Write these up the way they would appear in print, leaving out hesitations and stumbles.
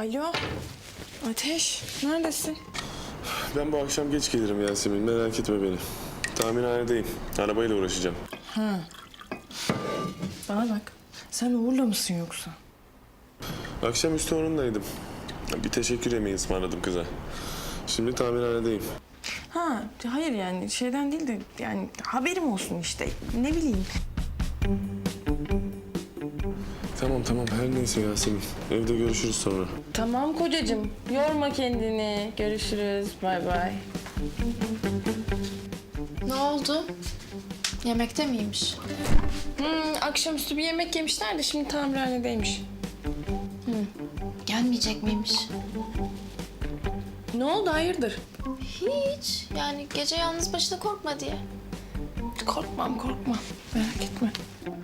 Alo, Ateş, neredesin? Ben bu akşam geç gelirim Yasemin, merak etme beni. Tamirhanedeyim, arabayla uğraşacağım. Ha. Bana bak, sen Uğur'la mısın yoksa? Akşamüstü onunlaydım. Bir teşekkür yemeği ısmarladım kıza. Şimdi tamirhanedeyim. Ha, hayır yani şeyden değil de yani haberim olsun işte, ne bileyim. Tamam, her neyse Yasemin. Evde görüşürüz sonra. Tamam kocacığım, yorma kendini. Görüşürüz, bay bay. Ne oldu? Yemekte miymiş? Akşamüstü bir yemek yemişler de şimdi tamirhanedeymiş. Gelmeyecek miymiş? Ne oldu, hayırdır? Hiç. Yani gece yalnız başına korkma diye. Korkmam, merak etme.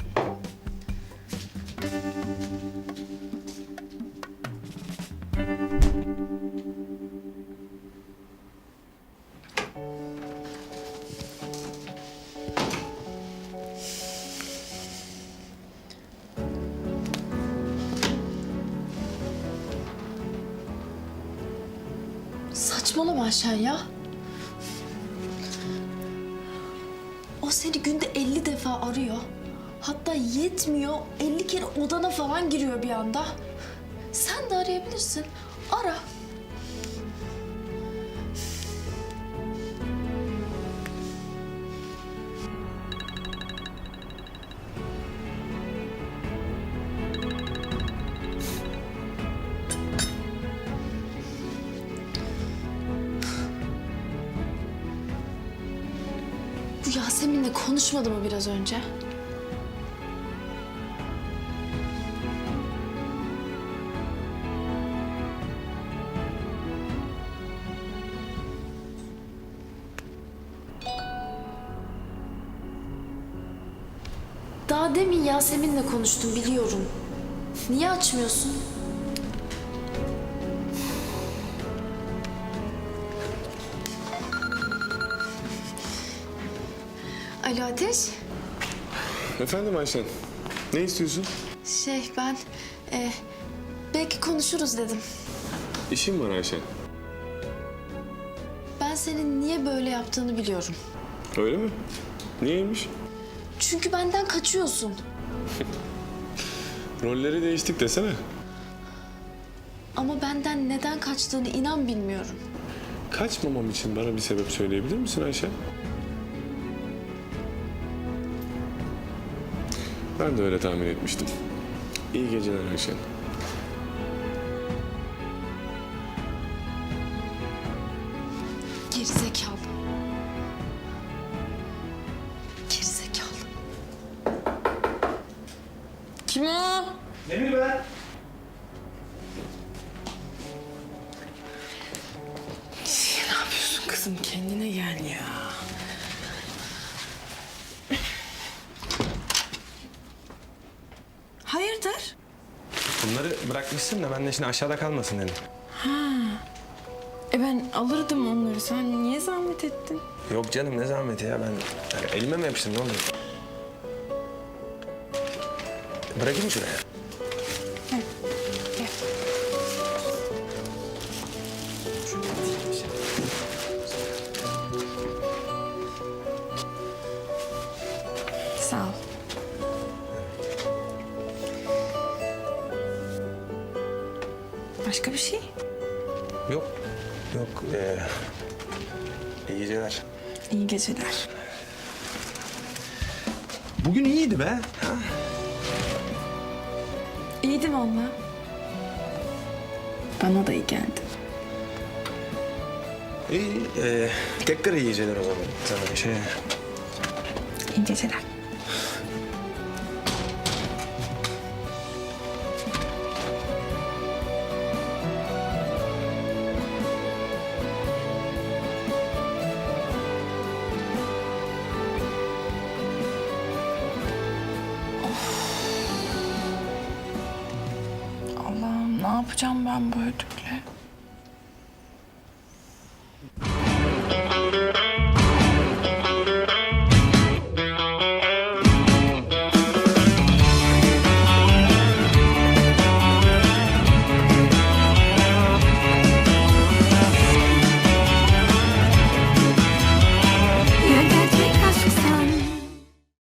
Saçmalama Ayşen ya. O seni günde 50 defa arıyor. Hatta yetmiyor, 50 kere odana falan giriyor bir anda. Sen de arayabilirsin. Ara. Bu Yasemin'le konuşmadı mı biraz önce? Daha demin Yasemin'le konuştum biliyorum. Niye açmıyorsun? Alo Ateş. Efendim Ayşen, ne istiyorsun? Ben belki konuşuruz dedim. İşim var Ayşen. Ben senin niye böyle yaptığını biliyorum. Öyle mi? Niyeymiş? Çünkü benden kaçıyorsun. Rolleri değiştik desene. Ama benden neden kaçtığını inan bilmiyorum. Kaçmamam için bana bir sebep söyleyebilir misin Ayşen? Ben de öyle tahmin etmiştim. İyi geceler Ayşen. Gerizekalı. Gerizekalı. Kim o? Ne bileyim ben? Ne yapıyorsun kızım? Kendine gel ya. Hayırdır? Bunları bırakmışsın da ben de şimdi aşağıda kalmasın dedim. Ben alırdım onları. Sen niye zahmet ettin? Yok canım ne zahmeti ya ben yani elime mi yapıştım ne oluyor? Bırakayım şuraya. Gel. Sağ ol. Başka bir şey? Yok. İyi geceler. İyi geceler. Bugün iyiydi be. Ha? İyiydi vallahi. Bana da iyi geldi. İyi. Tekrar iyi geceler o zaman sana İyi geceler. Allah'ım ne yapacağım ben bu ödükle?